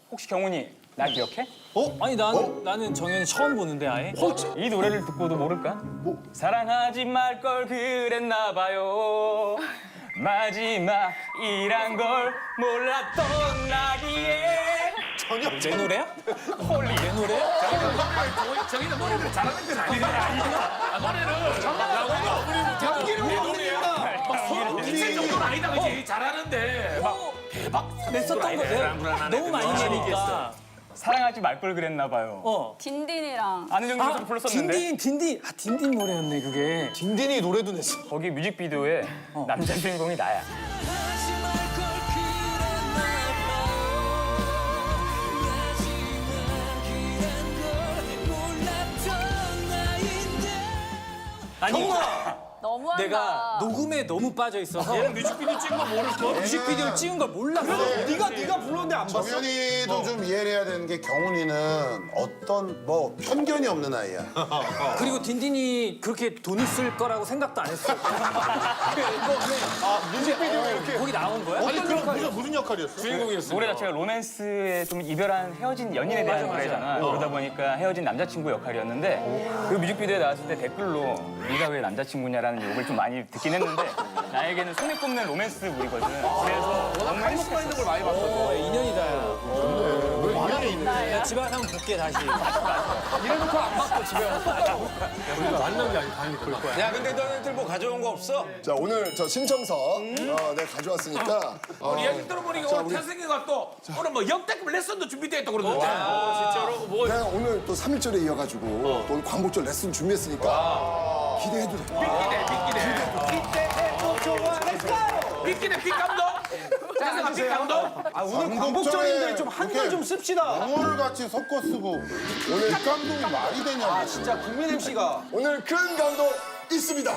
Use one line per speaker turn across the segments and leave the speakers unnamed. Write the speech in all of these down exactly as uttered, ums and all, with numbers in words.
혹시 경훈이 나 기억해?
어? 아니 난 나는 정현이 처음 보는데 아예.
이 노래를 듣고도 모를까?
뭐?
사랑하지 말 걸 그랬나 봐요. 마지막이란 걸 몰랐던 나기에.
내 노래야?
홀리.
내 노래야?
저기는 노래를 잘하는 건 아니네. 아, 노래를
연기를 못하는구나.
이 정도는 아니다, 그지? 잘하는데 막 대박.
냈었던 거 내가 너무 많이 내니까.
사랑하지 말 걸 그랬나 봐요.
어.
딘딘이랑
아는 형님도 좀 불렀었는데
딘딘 딘딘 아 딘딘 노래였네 그게.
딘딘이 노래도 냈어.
거기 뮤직비디오에 남자 주인공이 나야.
아니
너무한다.
내가 녹음에 너무 빠져 있어서
얘는 뮤직비디오 찍은 거 모를 거.
뮤직비디오를 찍은 걸 몰랐어.
네가 네가 불렀는데 안 봤어?
정현이도 좀 이해를 해야 되는 게 경훈이는 어떤 뭐 편견이 없는 아이야.
그리고 딘딘이 그렇게 돈을 쓸 거라고 생각도 안 했어.
아 뮤직비디오에 이렇게.
거기 나온 거야?
아니 그럼 무슨 무슨 역할이었어?
주인공이었어.
노래 자체가 로맨스에 좀 이별한 헤어진 연인에 대한
맞아,
노래잖아. 그러다 보니까 헤어진 남자친구 역할이었는데 그 뮤직비디오에 나왔을 때 댓글로 네가 왜 남자친구냐라는 욕을 좀 많이 듣긴 했는데 나에게는 손에 꼽는 로맨스물이거든. 그래서 너무 행복했어.
있는 걸 많이 봤어.
어, 인연이다. 야.
인연이 있네.
나 집에 가서 한번 볼게 다시.
이래놓고 안 받고 집에 와서.
야, 근데 너네들 뭐 가져온 거 없어?
자 오늘 저 신청서 어, 내가 가져왔으니까 어,
우리 얘기 들어보니까 오늘 태승이가 또 오늘 뭐 역대급 레슨도 준비되어 있다고 그러던데.
진짜로? 뭐 내가 오늘 또 삼일절에 이어가지고 또 오늘 광복절 레슨 준비했으니까 기대해도 돼.
삐끼네, 삐끼네. 삐끼네, 삐감독. 태승아, 삐감독.
아 오늘 광복절인데 좀 한글 좀 씁시다.
영어를 같이 섞어 쓰고 오늘 감독이 말이 되냐고.
아 진짜 국민 엠씨가.
오늘 큰 감동 있습니다.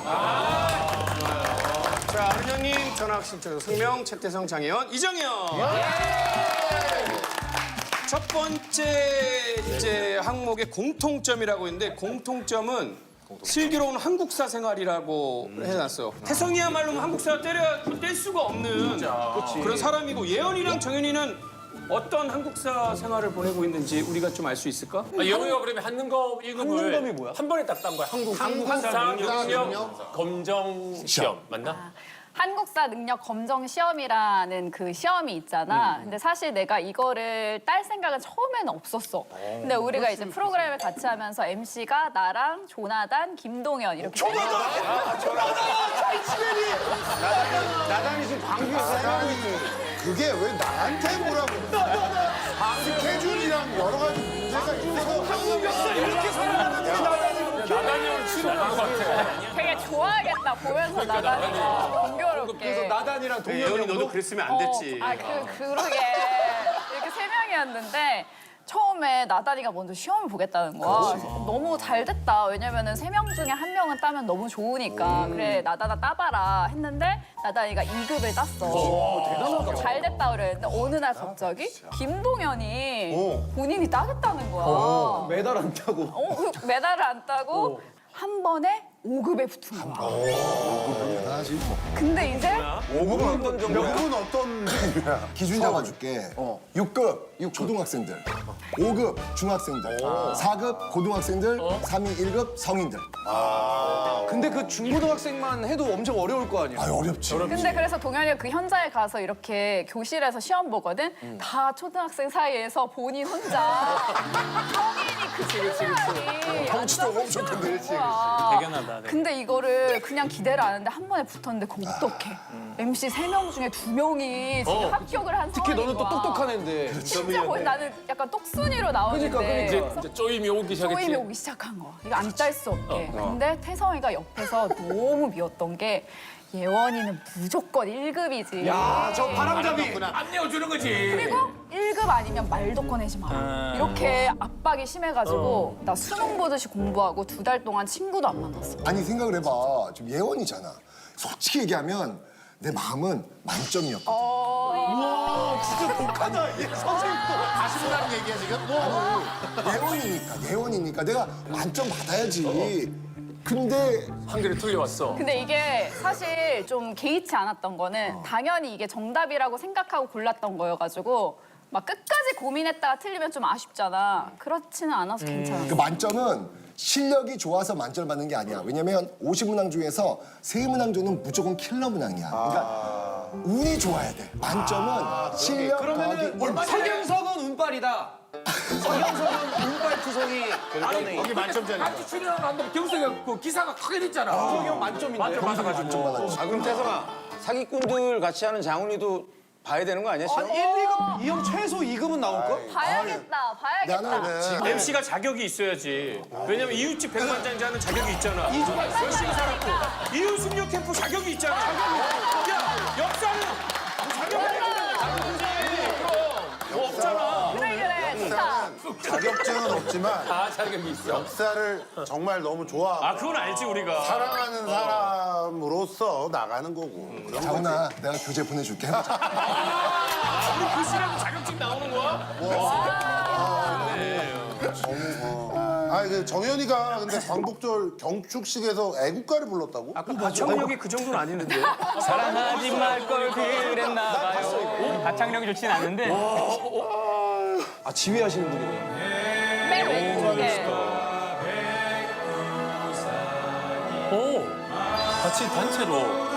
자, 은영님 전학 신청 성명 최태성 장혜원 이정현. 첫 번째 이제 항목의 공통점이라고 있는데 공통점은 슬기로운 한국사 생활이라고 해놨어. 태성이야말로 한국사 때려 뗄 수가 없는 그런 사람이고 예언이랑 정현이는 어떤 한국사 생활을 보내고 있는지 우리가 좀 알 수 있을까?
아, 영희가 그러면 한능검 일급을
한능검이 뭐야?
한 번에 딱 딴 거야. 한국 한국사 능력 검정 시험 맞나?
한국사 능력 검정 시험이라는 그 시험이 있잖아. 근데 사실 내가 이거를 딸 생각은 처음에는 없었어. 근데 우리가 이제 프로그램을 같이 하면서 엠씨가 나랑 조나단, 김동현 이렇게
나단이 지금 광주에서 나단이 그게 왜 나한테 뭐라고? 스케줄이랑 여러 가지 문제가 있어서 한국에서 이렇게 살아가는데 나단이
나단이 형은 친한 것 같아.
되게 좋아하겠다 보면서 나단이가 공교롭게.
그래서 나단이랑 동현이
예언이 너도 그랬으면 안 됐지.
어, 아, 그, 그러게. 이렇게 세 명이었는데 처음에 나단이가 먼저 시험을 보겠다는 거야. 그래서 너무 잘 됐다. 왜냐면은 세 명 중에 한 명은 따면 너무 좋으니까. 그래, 나단아 따봐라 했는데 나단이가 이 급을 땄어. 대단하다. 잘 됐다 그랬는데 어느 날 갑자기 김동현이 본인이 따겠다는 거야.
메달 안 타고.
어, 그 메달을 안 따고 한 번에 오 급에 붙은 거야.
대단하지.
근데 이제
오 급은 어떤 정도야? 몇 급은 어떤 종류야?
기준 잡아줄게. 육 급 초등학생들, 오 급 중학생들, 사 급 고등학생들, 삼 이 일 급 성인들.
근데 그 중고등학생만 해도 엄청 어려울 거 아니야.
아 어렵지.
근데 그래서 동현이가 그 현장에 가서 이렇게 교실에서 시험 보거든. 다 초등학생 사이에서 본인 혼자 성인이 그 친구들이
덩치도
앉아서
엄청
시험
큰데.
본 거야.
대견하다.
근데 이거를 그냥 기대를 안 했는데 한 번에 붙었는데 그거 어떡해. 엠씨 세 명 중에 두 명이 지금 합격을 한
특히
상황인
너는 또
거야.
똑똑한 애인데.
진짜 거의 나는 약간 똑순이로 나오는데
그러니까, 그러니까.
이제 쪼임이 오기
쪼임이
시작했지.
오기 시작한 거야. 이거 안 딸 수 없게. 근데 태성이가 옆에서 너무 미웠던 게 예원이는 무조건 일 급이지.
야, 저 바람잡이.
안 내어주는 거지.
그리고 일 급 아니면 말도 꺼내지 마. 이렇게 압박이 심해가지고 나 수능 보듯이 공부하고 두 달 동안 친구도 안 만났어.
아니 생각을 해봐. 지금 예원이잖아. 솔직히 얘기하면 내 마음은 만점이었거든.
와, 진짜 독하다. 얘 선생님도.
다시 보라는 얘기야 지금?
예원이니까 예원이니까 내가 만점 받아야지. 근데
한 개를 틀려왔어.
근데 이게 사실 좀 개의치 않았던 거는 당연히 이게 정답이라고 생각하고 골랐던 거여가지고 막 끝까지 고민했다가 틀리면 좀 아쉽잖아. 그렇지는 않아서 괜찮아.
그 만점은 실력이 좋아서 만점을 받는 게 아니야. 왜냐면 오십 문항 중에서 세 문항 정도는 무조건 킬러 문항이야. 그러니까 운이 좋아야 돼. 만점은 실력 더하기 운.
서경석은 운빨이다. 서경석은 운빨 투성이
여기 만점짜리.
같이 출연하는데 경석이가 그 기사가 크게 됐잖아.
서경 만점인데.
만점 받았지.
아 그럼 태성아 사기꾼들 같이 하는 장훈이도 봐야 되는 거 아니야 시험?
일, 이 급, 이 형 최소 이 급은 나올걸?
봐야겠다, 봐야겠다.
나는
엠씨가 자격이 있어야지. 왜냐면 이웃집 백만장자는 자격이 있잖아. 이주가 열심히 살았고 이웃승려 캠프 자격이 있잖아. 야 역사는 자격이 있잖아. 뭐 없잖아.
그래, 그래, 좋다.
자격증은 없지만
아 자격이 있어.
역사를 정말 너무 좋아하고
아 그건 알지 우리가.
사랑하는 사람으로서 나가는 거고. 그런
장훈아, 내가 교재 보내줄게.
우리 글씨라도 자격증 나오는 거야?
아, 그 정현이가 근데 광복절 경축식에서 애국가를 불렀다고?
아까 가창력이 그 정도는 아니는데.
사랑하지 말 걸 그랬나 봐요. 가창력이 좋진 않은데
아, 지휘하시는 분이구나.
맨 왼쪽에.
오 같이 단체로.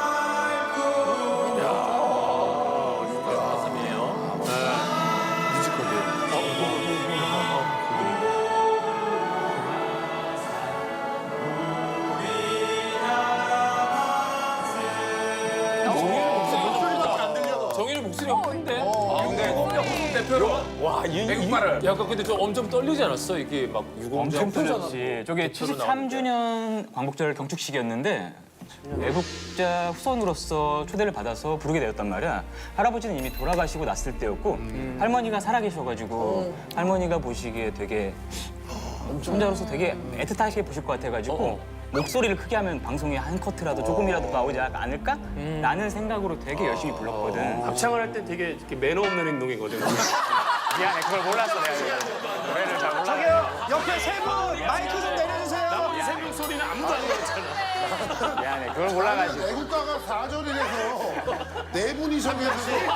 정현이 목소리가 큰데? 아, 근데 대표로 와, 이
백발을.
약간 근데 좀 엄청 떨리지 않았어? 이게 막 유공자
엄청 떨렸지. 저게 칠십삼 주년 광복절 경축식이었는데 애국자 후손으로서 초대를 받아서 부르게 되었단 말이야. 할아버지는 이미 돌아가시고 났을 때였고 할머니가 살아계셔가지고 할머니가 보시기에 되게 혼자로서 되게 애틋하게 보실 것 같아가지고 목소리를 크게 하면 방송에 한 커트라도 조금이라도 나오지 않을까? 라는 생각으로 되게 열심히 불렀거든.
합창을 할 때 되게 이렇게 매너 없는 행동이거든.
미안해, 그걸 몰랐어 내가. 노래를 잘 몰랐어.
옆에 세 분 마이크 좀 내려주세요.
나머지 세 명 소리는 아무도 안 들었잖아.
미안해, 그걸 몰라가지고.
애국가가 사 절이라서 네 분이셔가지고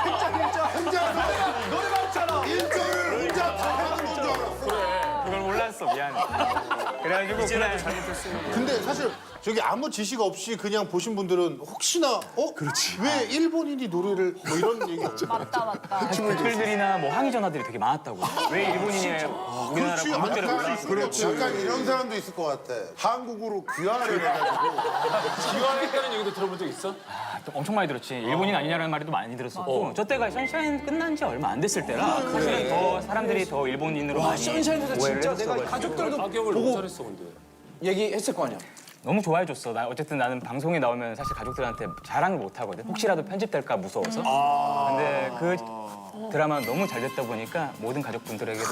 혼자
노래가 없잖아.
일 절을 혼자 다 하는 건 줄 알았어.
그걸 몰랐어, 미안해. 그래가지고 그날
근데 사실 저기 아무 지식 없이 그냥 보신 분들은 혹시나 어? 그렇지. 왜 일본인이 노래를 뭐 이런 얘기
맞다, 맞다.
댓글들이나 뭐 항의 전화들이 되게 많았다고. 왜 일본인이 우리나라
그렇지.
광복절에
약간,
올라왔어?
그렇지. 약간 이런 사람도 있을 것 같아. 한국으로 귀화를 해가지고
기왕했다는 얘기도 들어본 적 있어?
엄청 많이 들었지. 일본인 아니냐라는 말도 많이 들었었고 저 때가 선샤인 끝난 지 얼마 안 됐을 때라 사실은 더 사람들이 더 일본인으로 많이
선샤인에서
오해를
진짜 내가
했었어가지고.
가족들도
가격을 못 잘했어 근데.
얘기했을 거 아니야.
너무 좋아해줬어. 나 어쨌든 나는 방송에 나오면 사실 가족들한테 자랑을 못 하거든. 혹시라도 편집될까 무서워서. 근데 그 드라마는 너무 잘 됐다 보니까 모든 가족분들에게도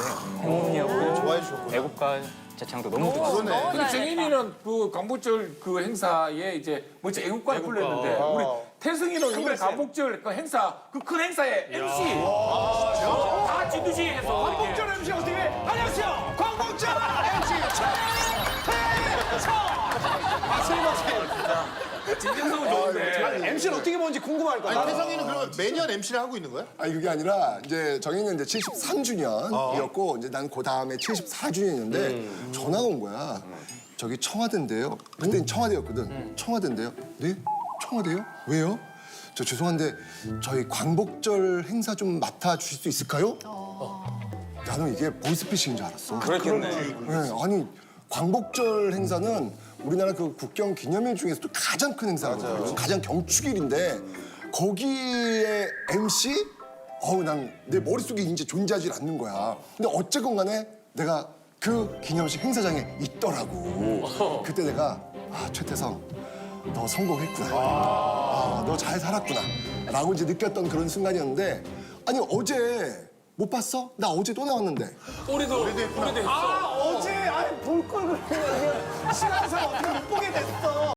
행운이었고 애국가 자창도 너무 좋았어.
근데 정인이는 그 광복절 그 행사에 이제 뭐지 애국가를 불렀는데 우리 태승이는 이번에 광복절 그 행사 그 큰 행사에 엠씨 다 진두지 해서 광복절 엠씨 어떻게 해? 안녕하세요 광복절 엠씨 진정성은 좋은데
엠씨는 어떻게 보는지 궁금할 거야.
아니 태성이는 그러면 매년 엠씨를 하고 있는 거야?
아니 그게 아니라 이제 정희는 이제 칠십삼 주년이었고 이제 난 그 다음에 칠십사 주년이었는데 전화가 온 거야. 저기 청와대인데요. 그때는 청와대였거든. 청와대인데요. 네? 청와대요? 왜요? 저 죄송한데 저희 광복절 행사 좀 맡아 주실 수 있을까요? 나는 이게 보이스피싱인 줄 알았어.
그랬겠네.
네, 아니 광복절 행사는 우리나라 그 국경 기념일 중에서도 가장 큰 행사거든요. 가장 경축일인데 거기에 엠씨? 어우 난 내 머릿속에 이제 존재하지 않는 거야. 근데 어쨌건 간에 내가 그 기념식 행사장에 있더라고. 그때 내가 아 최태성 너 성공했구나. 아, 너 잘 살았구나. 라고 이제 느꼈던 그런 순간이었는데 아니 어제 못 봤어? 나 어제 또 나왔는데.
올해도 올해도 했어.
어제 아니 볼걸 그랬는데 시간상 어떻게 못 보게 됐어.